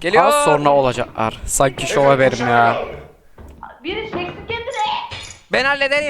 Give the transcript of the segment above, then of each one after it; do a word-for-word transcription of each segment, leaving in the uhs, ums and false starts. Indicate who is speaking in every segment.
Speaker 1: Geliyor.
Speaker 2: Az sonra olacaklar. Sanki şov haberim ya.
Speaker 3: Biri çeksin kendine.
Speaker 1: Ben hallederim.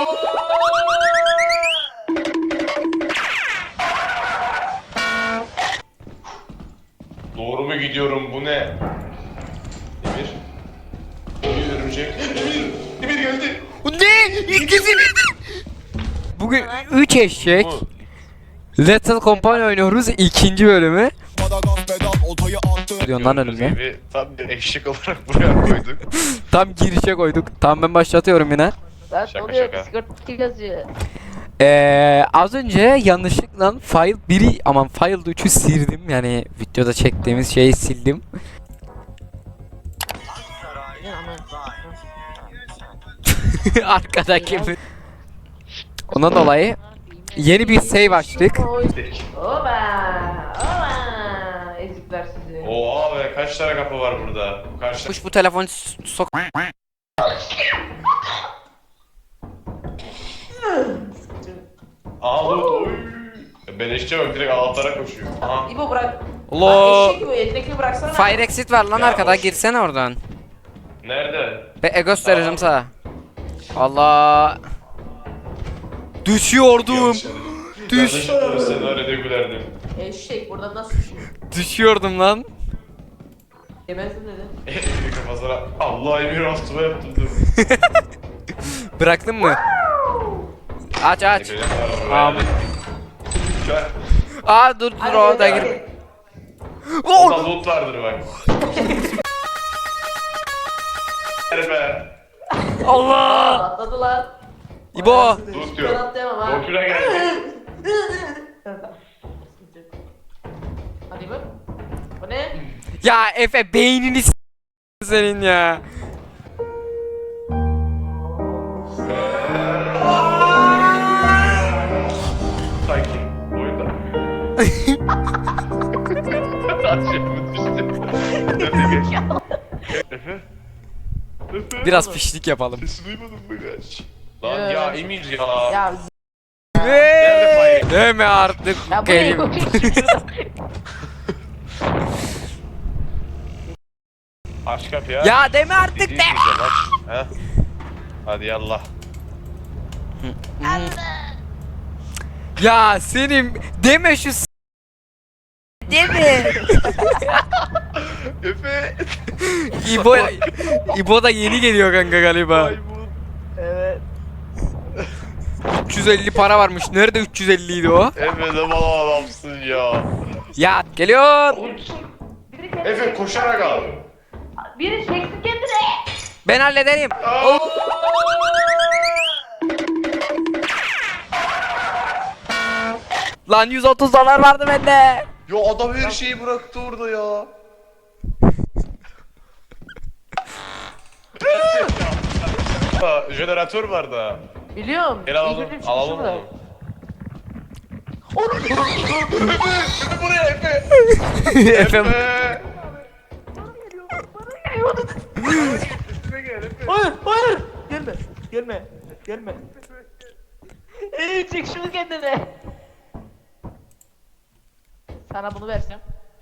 Speaker 4: Doğru mu gidiyorum, bu ne? Emir. Emir örümcek. Emir. Emir geldi.
Speaker 1: Ne? İkisi Bugün üç eşek
Speaker 4: Bu.
Speaker 1: Lethal Company oynuyoruz ikinci bölümü. Diyorsun lan önümde.
Speaker 4: Evi tam bir eşek olarak buraya koyduk.
Speaker 1: Tam girişe koyduk. Tamam ben başlatıyorum yine.
Speaker 3: Lan
Speaker 4: Şaka
Speaker 3: oluyor
Speaker 4: şaka.
Speaker 3: Discord yazıyor.
Speaker 1: Ee, az önce yanlışlıkla file biri aman file üçü sildim. Yani videoda çektiğimiz şeyi sildim. Arkadaki bir- Ondan dolayı yeni bir save açtık.
Speaker 3: Oba! Oba! Ezikler sizi.
Speaker 4: Oha be, kaç tane kapı var burada? Karşı.
Speaker 1: Kuş bu telefonu s- sok.
Speaker 4: Aa loot. Oy. Ben eşeğe bak, direkt altlara koşuyor. Aha.
Speaker 3: İbo bırak.
Speaker 1: Lo.
Speaker 3: Lan eşek bu, eldekini bıraksana.
Speaker 1: Fire exit var lan
Speaker 4: Ya
Speaker 1: arkada,
Speaker 4: boş.
Speaker 1: girsene oradan.
Speaker 4: Nerede?
Speaker 1: Be e göstereceğim
Speaker 4: Tamam.
Speaker 1: sana. Allah. Düşüyordum. Düş.
Speaker 4: Yanlışlıkla senaryoda gülerdim.
Speaker 3: Eşek burada nasıl düşüyor?
Speaker 1: Düşüyordum lan.
Speaker 3: Yemezsin dedi.
Speaker 4: Emir kafasına. Allah, Emir altıma yaptım dur.
Speaker 1: Bıraktın mı? Aç aç.
Speaker 4: Emir'in var
Speaker 1: Abi.
Speaker 4: yani. Gel.
Speaker 1: Aa dur dur
Speaker 3: Hadi
Speaker 1: o da
Speaker 3: hadi.
Speaker 1: gir.
Speaker 4: Orada loot vardır bak. Hadi be.
Speaker 1: Allah.
Speaker 3: Atladı lan.
Speaker 1: İbo.
Speaker 4: Loot diyor.
Speaker 3: Ben atlayamam ha.
Speaker 4: Loot'una geldi.
Speaker 3: Hadi bak. Bu ne?
Speaker 1: Ya Efe beynini s- senin ya.
Speaker 4: Sanki oyunda. Aşağımız düştü. Efe geç. Efe. Efe.
Speaker 1: Biraz pişlik yapalım.
Speaker 4: Sesi duymadın mı kaç? Lan ya Emir ya.
Speaker 3: Ya
Speaker 1: Hey! Deme artık.
Speaker 3: ya bu ne?
Speaker 1: Kerim.
Speaker 4: Aç kapıyı.
Speaker 1: Ya deme artık
Speaker 4: Bizi
Speaker 1: de.
Speaker 4: izleyeceğim, aç. Ha? Hadi yallah.
Speaker 1: Ya senin deme şu s- deme.
Speaker 4: Efe.
Speaker 1: İbo İbo da yeni geliyor kanka galiba.
Speaker 4: Maymun.
Speaker 3: Evet.
Speaker 1: üç yüz elli para varmış. Nerede üç yüz elli idi o?
Speaker 4: Efe ne bana adamsın ya.
Speaker 1: Ya geliyor.
Speaker 3: Biri kendine.
Speaker 4: Efe koşarak al.
Speaker 3: Biri çeksin kendine.
Speaker 1: Ben hallederim.
Speaker 4: Aa!
Speaker 1: Lan yüz otuz dolar vardı bende.
Speaker 4: Ya adam her şeyi bıraktı orada ya. Aa, jeneratör var da.
Speaker 3: Biliyorum.
Speaker 4: Gel alalım,
Speaker 3: İlk bölüm
Speaker 4: alalım
Speaker 3: çıkışı
Speaker 4: onu. Efe, Efe buraya Efe.
Speaker 1: Efem.
Speaker 4: Efe. Üstüne gel Efe.
Speaker 3: Hayır, hayır. Gelme, gelme, gelme. Eee çek şunu kendine. Sana bunu versem.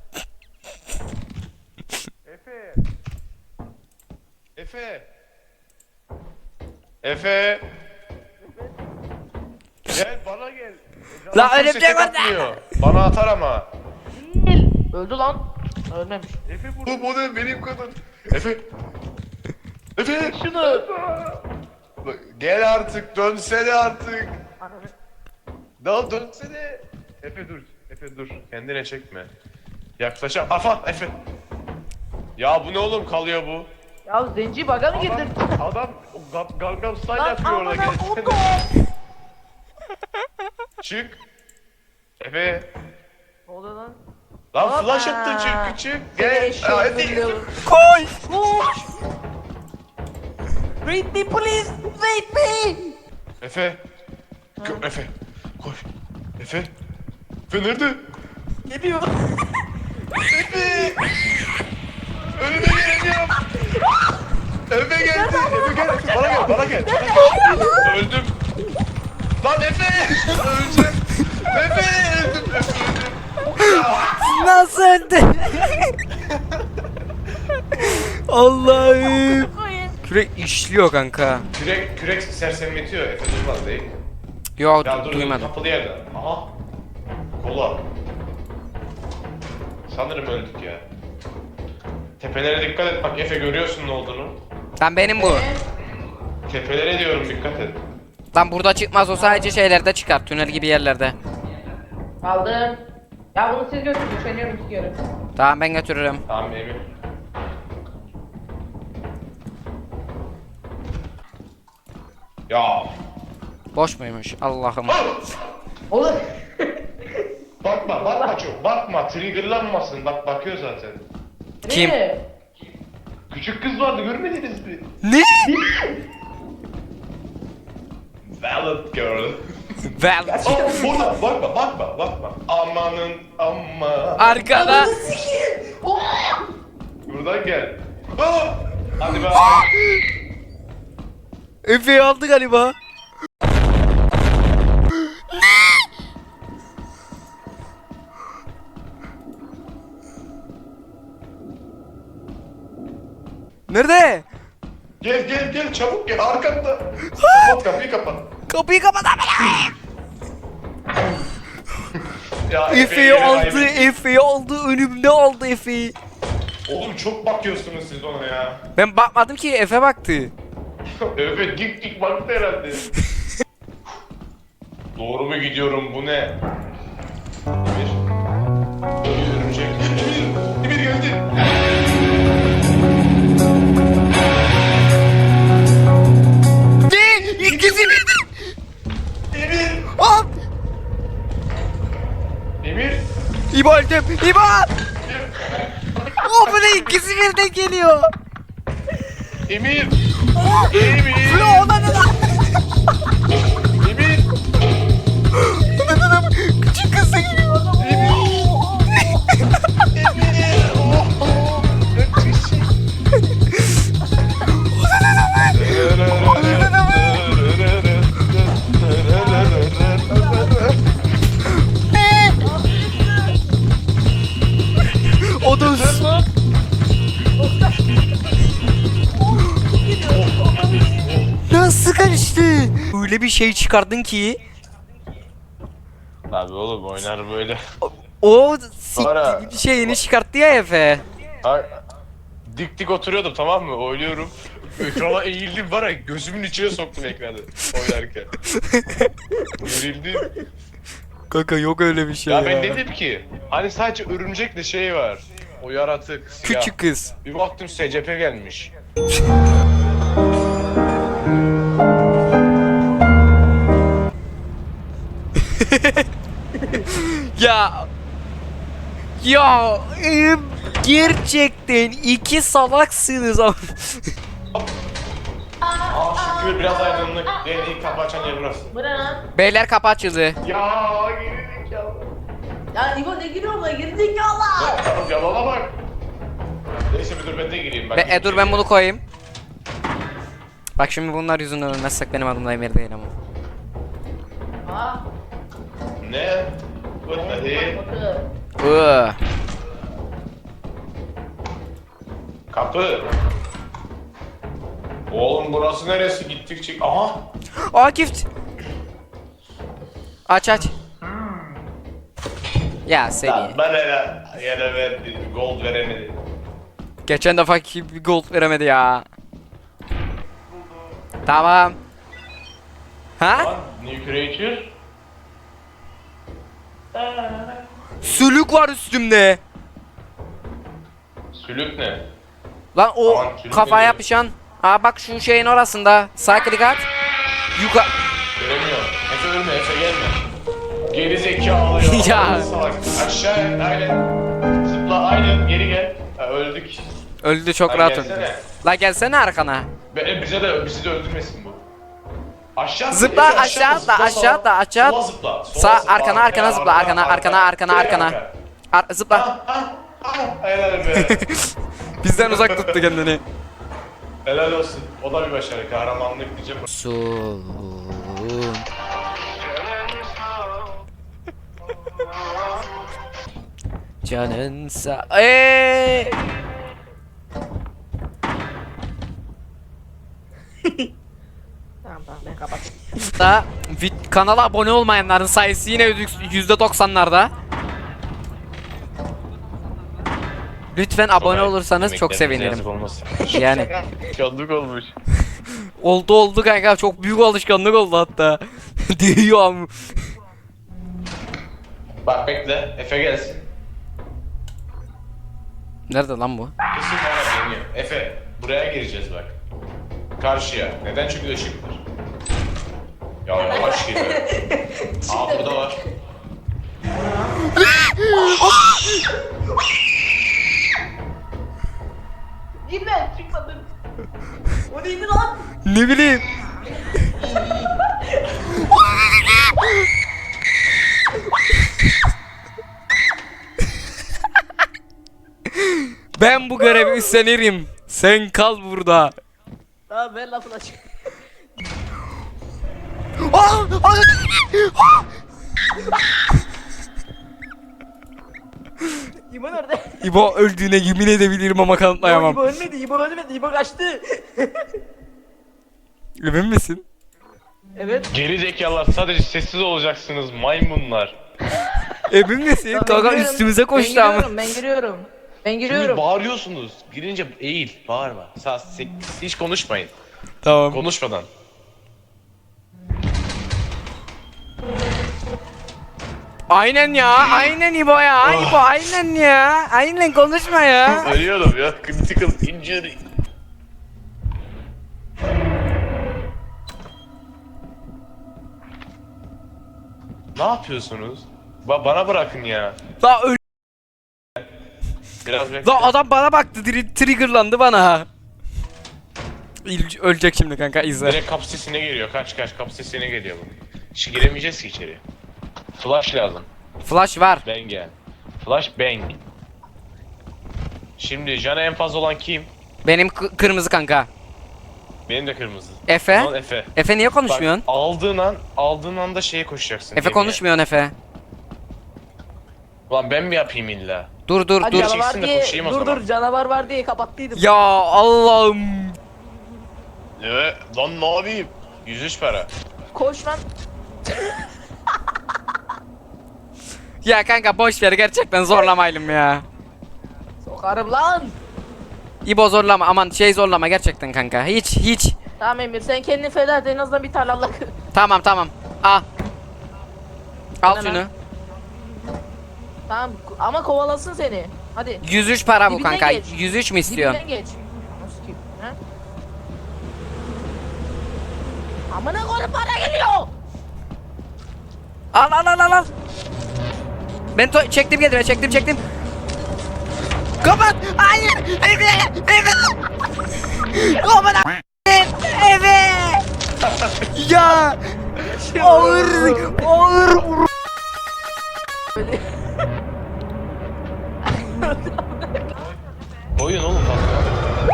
Speaker 4: Efe. Efe. Efe. Gel bana gel.
Speaker 1: La
Speaker 4: Canım
Speaker 1: örümcek
Speaker 4: sesi
Speaker 1: orada.
Speaker 4: kapmıyor. Bana atar ama.
Speaker 3: Değil. Öldü lan. Ölmemiş.
Speaker 4: Efe bu. Bu model benim kadın. Efe. Efe.
Speaker 3: Şunu.
Speaker 4: Bak, gel artık, dönsene artık. Daha dönsene. Efe dur. Efe dur. Kendine çekme. Yaklaşam. Afa Efe. Ya bu ne oğlum, kalıyor bu.
Speaker 3: Ya zenci baga mı girdin?
Speaker 4: Adam Ga- Gangnam Style
Speaker 3: Lan
Speaker 4: yapıyor orada,
Speaker 3: amına
Speaker 4: gelsene.
Speaker 3: kodum.
Speaker 4: Çık. Efe.
Speaker 3: Ne oluyor lan?
Speaker 4: Lan
Speaker 3: Hoppa.
Speaker 4: flash attın, çık çık.
Speaker 3: Seni
Speaker 4: Gel.
Speaker 3: eşeğe
Speaker 4: Hadi.
Speaker 3: öldürüyorum.
Speaker 1: Koş.
Speaker 3: Koş. Wait me please. Wait me.
Speaker 4: Efe. Gö- Efe. Koş. Efe. Efe nerede?
Speaker 3: Geliyor.
Speaker 4: Efe. Önüme gelemiyorum. Efe geldi. Efe gel. Efe bana gel. Bana gel. Bana gel. Öldüm. Lan Efe. Öleceğim. Efe öldüm. Efe öldüm.
Speaker 1: Nasıl öldü? Allah'ım. Kürek işliyor kanka.
Speaker 4: Kürek, kürek sersemletiyor. Efe durmaz değil.
Speaker 1: Yo
Speaker 4: Ya
Speaker 1: du-
Speaker 4: dur,
Speaker 1: duymadım.
Speaker 4: kapalı yerden. Aha. Kola. Sanırım öldük ya. Tepelere dikkat et. Bak Efe görüyorsun ne olduğunu.
Speaker 1: Lan benim bu.
Speaker 4: Tepelere diyorum dikkat et.
Speaker 1: Lan burada çıkmaz, o sadece şeylerde çıkar, tünel gibi yerlerde.
Speaker 5: Aldım. Ya bunu siz götürün. Üşeniyorum istiyorum.
Speaker 1: Tamam ben götürürüm.
Speaker 4: Tamam Emir. Ya.
Speaker 1: Boş muymuş Allah'ım.
Speaker 5: Olur.
Speaker 4: Bakma bakma çok bakma triggerlanmasın bak bakıyor zaten.
Speaker 1: Kim?
Speaker 5: Ne?
Speaker 4: Küçük kız vardı görmediniz mi?
Speaker 1: Ne?
Speaker 4: Valid girl.
Speaker 1: Vel.
Speaker 4: Aa burada bakma bakma bakma. Amanın amma.
Speaker 1: Arkada.
Speaker 4: Buradan gel. Aa! Hadi be.
Speaker 1: Efe'yi aldı galiba. Nerede?
Speaker 4: Gel gel gel çabuk gel arkanda. Kapat kapıyı kapat.
Speaker 1: Kapıyı kapat abi.
Speaker 4: Ya
Speaker 1: Efe'yi
Speaker 4: yine
Speaker 1: aldı,
Speaker 4: kaybettik.
Speaker 1: Efe'yi aldı, önümde aldı Efe'yi.
Speaker 4: Oğlum çok bakıyorsunuz siz ona ya.
Speaker 1: Ben bakmadım ki, Efe baktı.
Speaker 4: Evet dik dik baktı herhalde. Doğru mu gidiyorum bu ne? Emir. Emir örümcek. Emir. Emir geldi.
Speaker 1: Ne? İkisi birden.
Speaker 4: Emir.
Speaker 1: Hop.
Speaker 4: Emir.
Speaker 1: İbo öldüm. İbo. O bu ne? İkisi birden geliyor.
Speaker 4: Emir. Emir.
Speaker 1: Flo ona ne lan?
Speaker 4: Emir.
Speaker 1: Küçük kız da geliyor.
Speaker 4: Emir. Oh.
Speaker 1: O da nasıl karıştı? Öyle bir şey çıkardın ki
Speaker 4: Abi oğlum oynar böyle.
Speaker 1: o
Speaker 4: Sonra-
Speaker 1: sikti şeyini çıkarttı ya Efe.
Speaker 4: Ha, dik dik oturuyordum tamam mı? Oynuyorum. Ekrana eğildim var ya gözümün içine soktum ekranı oynarken. Gerildim.
Speaker 1: Kanka yok öyle bir şey
Speaker 4: Ya
Speaker 1: ya.
Speaker 4: ben dedim ki hani sadece örümcekle şey var. O yaratık siyah.
Speaker 1: Küçük kız.
Speaker 4: Bir baktım S C P gelmiş.
Speaker 1: Ya ya em, gerçekten iki salaksınız ama.
Speaker 4: Aa şükür biraz aydınlık. En ilk kapı açan yer burası.
Speaker 5: Bu ne lan?
Speaker 1: Beyler kapı açıldı.
Speaker 4: Ya gerildik ya.
Speaker 5: Ya İbo ne giriyor lan? Gerizekalı.
Speaker 4: Yalana bak. Neyse bir dur ben de gireyim. Bak,
Speaker 1: Be, e, dur ben bunu koyayım. Bak şimdi bunlar yüzünden ölmezsek benim adım da Emir değil ama.
Speaker 5: Aa.
Speaker 4: Ne? Dur hadi.
Speaker 5: Bakın.
Speaker 1: Iıı.
Speaker 4: Kapı. Oğlum burası neresi? Gittikçe... Aha!
Speaker 1: Akif. Aç aç. Ya seni.
Speaker 4: Ya bana ya, yere verdi, gold veremedi.
Speaker 1: Geçen defa bir gold veremedi ya. Tamam. Ha?
Speaker 4: Lan, new creature?
Speaker 1: Sülük var üstümde.
Speaker 4: Sülük ne?
Speaker 1: Lan o
Speaker 4: Aman, sülük
Speaker 1: kafaya
Speaker 4: ne?
Speaker 1: yapışan. Aa bak şu şeyin orasında. Sağ klik at. Yuka.
Speaker 4: Göremiyorum. Efe ölme, Efe gelme. Geri zekalı ya.
Speaker 1: Ya.
Speaker 4: Salak. Aşağı in, aynen. Zıpla, aynen, geri gel. Ha, öldük.
Speaker 1: Öldü çok
Speaker 4: Lan
Speaker 1: rahat
Speaker 4: gelsene.
Speaker 1: öldü. La gelsene arkana.
Speaker 4: Be, bize de, bizi de öldürmesin bu. Aşağı
Speaker 1: Zıpla,
Speaker 4: Efe,
Speaker 1: aşağı
Speaker 4: zıpla,
Speaker 1: atla,
Speaker 4: sola.
Speaker 1: aşağı atla, aşağı
Speaker 4: Sola
Speaker 1: at.
Speaker 4: zıpla. Sola
Speaker 1: Sağ
Speaker 4: zıpla,
Speaker 1: arkana arkana zıpla arkana arkana arkana arkana
Speaker 4: Geri
Speaker 1: arkana. Ar zıpla.
Speaker 4: Ha, ha, ha, helal be.
Speaker 1: Bizden uzak tuttu kendini.
Speaker 4: Helal olsun. O da bir başarı. Kahramanlık diyeceğim.
Speaker 1: Sun. Canın sağ. Eee.
Speaker 5: Ben kapat.
Speaker 2: Da vid- kanala abone olmayanların sayısı yine yüzde doksanlarda. Lütfen abone
Speaker 4: Kolay.
Speaker 2: olursanız çok
Speaker 4: Emekleriniz
Speaker 2: sevinirim.
Speaker 4: yazık olmasın.
Speaker 2: Yani
Speaker 4: Alışkanlık olmuş.
Speaker 2: oldu oldu kanka, çok büyük alışkanlık oldu hatta. Diyorum.
Speaker 4: Bak bekle. Efe gelsin.
Speaker 2: Nerede lan bu?
Speaker 4: Kesin bana deniyor. Efe buraya gireceğiz bak. Karşıya. Neden? Çünkü ışık var. Ya yavaş gir be. Aa burada var.
Speaker 5: Girme çıkmadım. O neydi lan?
Speaker 2: Ne bileyim. Ben bu görevi üstlenirim. Sen kal burada.
Speaker 5: Tamam ver lafını açık. İbo nerede?
Speaker 2: İbo öldüğüne yemin edebilirim ama
Speaker 5: Yo,
Speaker 2: kanıtlayamam.
Speaker 5: İbo ölmedi, İbo ölmedi, İbo kaçtı.
Speaker 2: Emin misin?
Speaker 5: Evet.
Speaker 4: Geri zekalar sadece sessiz olacaksınız maymunlar.
Speaker 2: Emin misin?
Speaker 5: Ben
Speaker 2: Kanka
Speaker 5: giriyorum,
Speaker 2: üstümüze koştu
Speaker 5: ben
Speaker 2: ama.
Speaker 5: giriyorum, ben giriyorum. Ben
Speaker 4: Şimdi
Speaker 5: giriyorum.
Speaker 4: bağırıyorsunuz. Girince eğil, bağırma. Sağ, sek- hiç konuşmayın.
Speaker 2: Tamam.
Speaker 4: Konuşmadan.
Speaker 2: Aynen ya, aynen İbo ya, İbo aynen ya, aynen konuşma ya.
Speaker 4: Ölüyorum ya. Critical injury. Ne yapıyorsunuz? Ba bana bırakın ya.
Speaker 2: La öl
Speaker 4: Biraz bekle.
Speaker 2: La adam bana baktı, diri- triggerlandı bana. İl- Ölecek şimdi kanka, izle.
Speaker 4: Direkt kapı sesine geliyor. Kaç kaç kapı sesine geliyor bu. Hiç giremeyeceğiz ki içeri. Flash lazım.
Speaker 2: Flash var.
Speaker 4: Bang gel. Flash bang. Şimdi canı en fazla olan kim?
Speaker 2: Benim kı- kırmızı kanka.
Speaker 4: Benim de kırmızı.
Speaker 2: Efe?
Speaker 4: Lan Efe.
Speaker 2: Efe niye
Speaker 4: Bak,
Speaker 2: konuşmuyorsun?
Speaker 4: aldığın an, aldığın anda şeye koşacaksın.
Speaker 2: Efe
Speaker 4: gemiye.
Speaker 2: konuşmuyorsun Efe.
Speaker 4: Ulan ben mi yapayım illa?
Speaker 2: Dur dur
Speaker 5: Hadi
Speaker 2: dur.
Speaker 4: Gerçek-
Speaker 5: canavar
Speaker 4: çeksin de
Speaker 5: diye,
Speaker 4: koşayım o
Speaker 5: dur
Speaker 4: zaman.
Speaker 5: dur canavar var diye kapattıydım.
Speaker 2: Ya Allah'ım.
Speaker 4: Ne? Lan ne yapayım? yüz üç para.
Speaker 5: Koş lan.
Speaker 2: Ya kanka boş ver, gerçekten zorlamayalım ya.
Speaker 5: Sokarım lan.
Speaker 2: İbo zorlama, aman şey zorlama gerçekten kanka. Hiç hiç.
Speaker 5: Tamam Emir sen kendini feda et en azından bir tane Allah.
Speaker 2: Tamam tamam. Al. Al
Speaker 5: Ne
Speaker 2: şunu.
Speaker 5: lan? Tamam ama kovalasın seni. Hadi.
Speaker 2: yüz üç para bu
Speaker 5: Dibinden
Speaker 2: kanka.
Speaker 5: geç.
Speaker 2: yüz üç mü istiyorsun?
Speaker 5: Dibinden geç. Nasıl ki? Ha? Amına koyayım para geliyor.
Speaker 2: Al al al al al. Ben to- çektim geldim, çektim çektim. Kapat. Hayır. Eve. Eve. Kapat. Eve. Ya. Ağır. Ağır.
Speaker 4: Oyun oğlum fazla.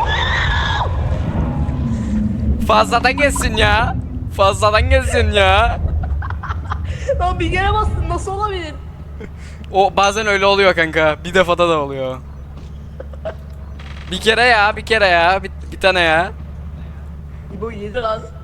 Speaker 2: Fazladan gelsin ya. Fazladan gelsin ya.
Speaker 5: Lan bir kere bastın nasıl olabilir?
Speaker 2: O bazen öyle oluyor kanka. Bir defada da oluyor. Bir kere ya, bir kere ya. Bir, bir tane ya.
Speaker 5: İbo yedi lan.